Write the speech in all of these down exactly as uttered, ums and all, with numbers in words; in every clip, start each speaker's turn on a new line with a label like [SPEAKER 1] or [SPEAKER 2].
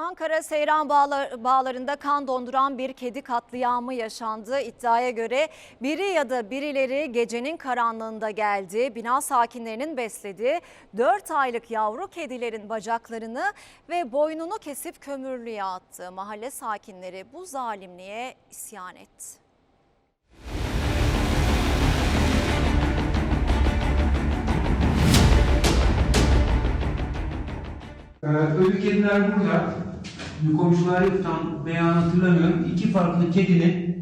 [SPEAKER 1] Ankara Seyran Bağlar, Bağları'nda kan donduran bir kedi katliamı yaşandı. İddiaya göre biri ya da birileri gecenin karanlığında geldi. Bina sakinlerinin beslediği dört aylık yavru kedilerin bacaklarını ve boynunu kesip kömürlüğe attı. Mahalle sakinleri bu zalimliğe isyan etti.
[SPEAKER 2] Ee, ölü kediler burada. Komşular yok, tam beyan hatırlamıyorum. İki farklı kedinin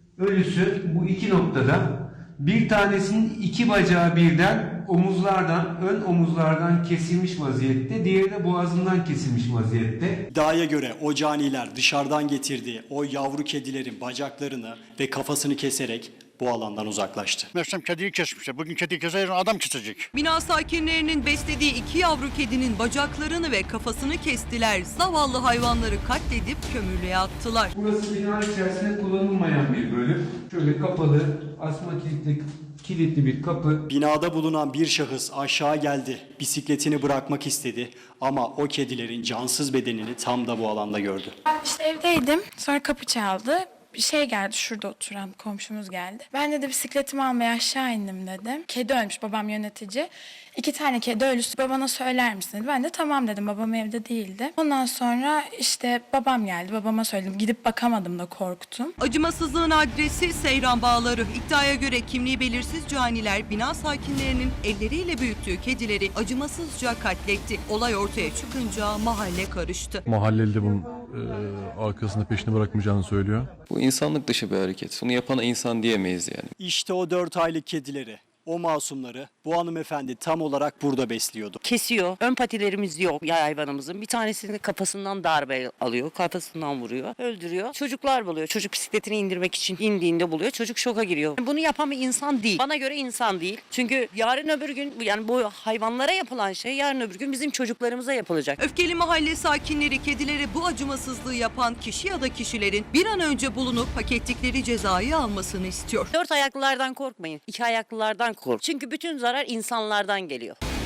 [SPEAKER 2] ölüsü bu iki noktada. Bir tanesinin iki bacağı birden omuzlardan, ön omuzlardan kesilmiş vaziyette. Diğeri de boğazından kesilmiş vaziyette.
[SPEAKER 3] İddiaya göre o caniler dışarıdan getirdiği o yavru kedilerin bacaklarını ve kafasını keserek bu alandan uzaklaştı.
[SPEAKER 4] Mersem kediyi kesmişler. Bugün kediyi keser, adam kesecek.
[SPEAKER 5] Bina sakinlerinin beslediği iki yavru kedinin bacaklarını ve kafasını kestiler. Zavallı hayvanları katledip kömürlüğe attılar.
[SPEAKER 2] Burası bina içerisinde kullanılmayan bir bölüm. Şöyle kapalı, asma kilitli, kilitli bir kapı.
[SPEAKER 3] Binada bulunan bir şahıs aşağı geldi. Bisikletini bırakmak istedi ama o kedilerin cansız bedenini tam da bu alanda gördü.
[SPEAKER 6] Ben işte evdeydim. Sonra kapı çaldı. Bir şey geldi, şurada oturan komşumuz geldi. Ben de, de bisikletimi almaya aşağı indim dedim. Kedi ölmüş, babam yönetici. İki tane kedi ölüsü, babana söyler misin dedi. Ben de tamam dedim, babam evde değildi. Ondan sonra işte babam geldi, babama söyledim. Gidip bakamadım da korktum.
[SPEAKER 5] Acımasızlığın adresi Seyran Bağları. İddiaya göre kimliği belirsiz caniler bina sakinlerinin elleriyle büyüttüğü kedileri acımasızca katletti. Olay ortaya çıkınca mahalle karıştı.
[SPEAKER 7] Mahalleli de bunun e, arkasında peşini bırakmayacağını söylüyor.
[SPEAKER 8] Bu insanlık dışı bir hareket. Bunu yapana insan diyemeyiz yani.
[SPEAKER 3] İşte o dört aylık kedileri, o masumları bu hanımefendi tam olarak burada besliyordu.
[SPEAKER 9] Kesiyor. Ön patilerimiz yok ya hayvanımızın. Bir tanesini kafasından darbe alıyor. Kafasından vuruyor. Öldürüyor. Çocuklar buluyor. Çocuk bisikletini indirmek için indiğinde buluyor. Çocuk şoka giriyor. Bunu yapan bir insan değil. Bana göre insan değil. Çünkü yarın öbür gün yani bu hayvanlara yapılan şey yarın öbür gün bizim çocuklarımıza yapılacak.
[SPEAKER 5] Öfkeli mahalle sakinleri kedilere bu acımasızlığı yapan kişi ya da kişilerin bir an önce bulunup hak ettikleri cezayı almasını istiyor.
[SPEAKER 9] Dört ayaklılardan korkmayın. İki ayaklılardan kork. Çünkü bütün zarar insanlardan geliyor.